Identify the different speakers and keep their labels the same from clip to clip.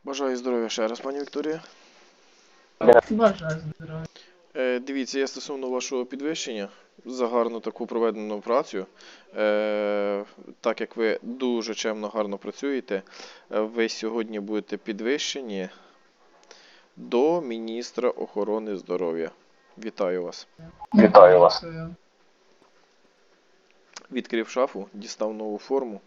Speaker 1: Бажаю здоров'я ще раз, пані Вікторія.
Speaker 2: Бажаю здоров'я.
Speaker 1: Дивіться, я стосовно вашого підвищення за гарну таку проведену працю. Так як ви дуже чемно, гарно працюєте, ви сьогодні будете підвищені до міністра охорони здоров'я. Вітаю вас.
Speaker 2: Вітаю вас.
Speaker 1: Відкрив шафу, дістав нову форму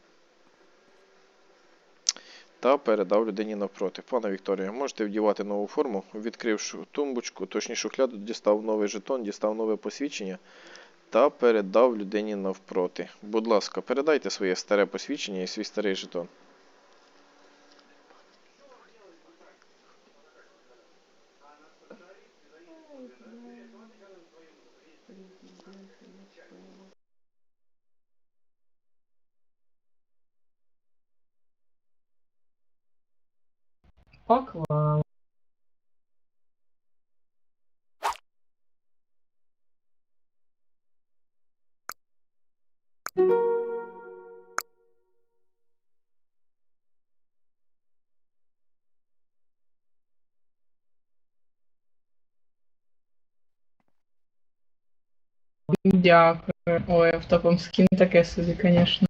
Speaker 1: та передав людині навпроти. Пане Вікторія, можете вдівати нову форму. Відкривши тумбочку, точніше шухляду, дістав новий жетон, дістав нове посвідчення та передав людині навпроти. Будь ласка, передайте своє старе посвідчення і свій старий жетон.
Speaker 2: Поклав. Дякую. Ой, автопом скін таке собі, звісно.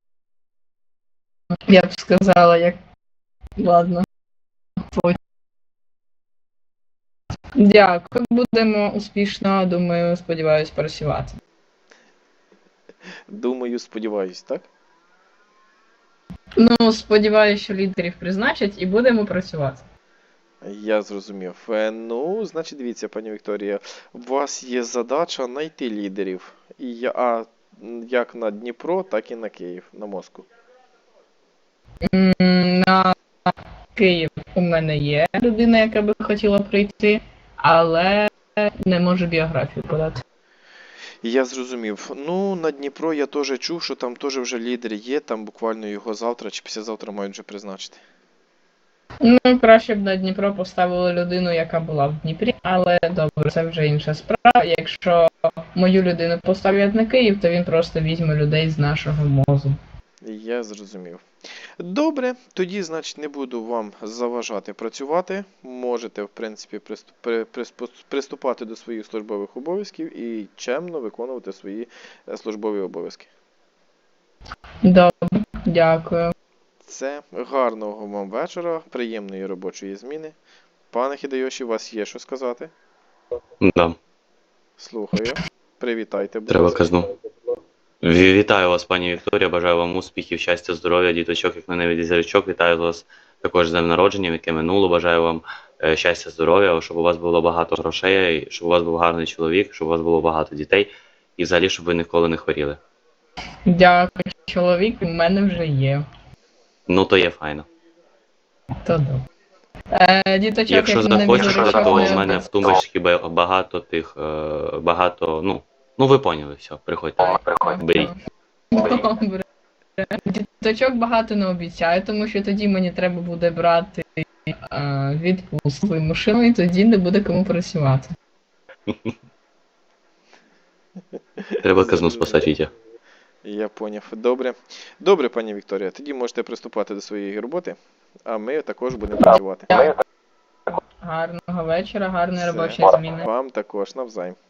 Speaker 2: Я б сказала, як... Ладно. Дякую. Будемо успішно, думаю, сподіваюсь, працювати.
Speaker 1: Думаю, сподіваюсь, так?
Speaker 2: Ну, сподіваюся, що лідерів призначать і будемо працювати.
Speaker 1: Я зрозумів. Ну, значить, дивіться, пані Вікторія, у вас є задача знайти лідерів. Як на Дніпро, так і на Київ, на Москву.
Speaker 2: На Київ у мене є людина, яка би хотіла прийти, але не можу біографію подати.
Speaker 1: Я зрозумів. Ну, на Дніпро я теж чув, що там теж вже лідер є, там буквально його завтра чи післязавтра мають вже призначити.
Speaker 2: Ну, краще б на Дніпро поставили людину, яка була в Дніпрі, але добре, це вже інша справа. Якщо мою людину поставлять на Київ, то він просто візьме людей з нашого МОЗу.
Speaker 1: Я зрозумів. Добре, тоді, значить, не буду вам заважати працювати. Можете, в принципі, приступати до своїх службових обов'язків і чемно виконувати свої службові обов'язки.
Speaker 2: Добре, дякую.
Speaker 1: Це гарного вам вечора, приємної робочої зміни. Пане Хідайоші, у вас є що сказати?
Speaker 3: Да,
Speaker 1: Слухаю. Привітайте, будь
Speaker 3: треба
Speaker 1: ласка.
Speaker 3: казну. Вітаю вас, пані Вікторія, бажаю вам успіхів, щастя, здоров'я, діточок, як на небі зірочок. Вітаю вас також з днем народження, яке минуло. Бажаю вам щастя, здоров'я, щоб у вас було багато грошей, щоб у вас був гарний чоловік, щоб у вас було багато дітей і взагалі, щоб ви ніколи не хворіли.
Speaker 2: Дякую, чоловік у мене вже є.
Speaker 3: Ну, то є файно.
Speaker 2: То добре. Діточок,
Speaker 3: Якщо
Speaker 2: як на небі
Speaker 3: захочете,
Speaker 2: зірочок,
Speaker 3: то
Speaker 2: не
Speaker 3: у мене в тумбочці багато тих, ну ви поняли, все, приходьте, беріть.
Speaker 2: Добре. Діточок багато не обіцяю, тому що тоді мені треба буде брати відпустку вимушену, і тоді не буде кому працювати.
Speaker 3: Треба казну спасати, Вітя.
Speaker 1: Я поняв. Добре. Добре, пані Вікторія, тоді можете приступати до своєї роботи, а ми також будемо працювати.
Speaker 2: Гарного вечора, гарної
Speaker 1: Все.
Speaker 2: робочої зміни.
Speaker 1: Вам також навзаєм.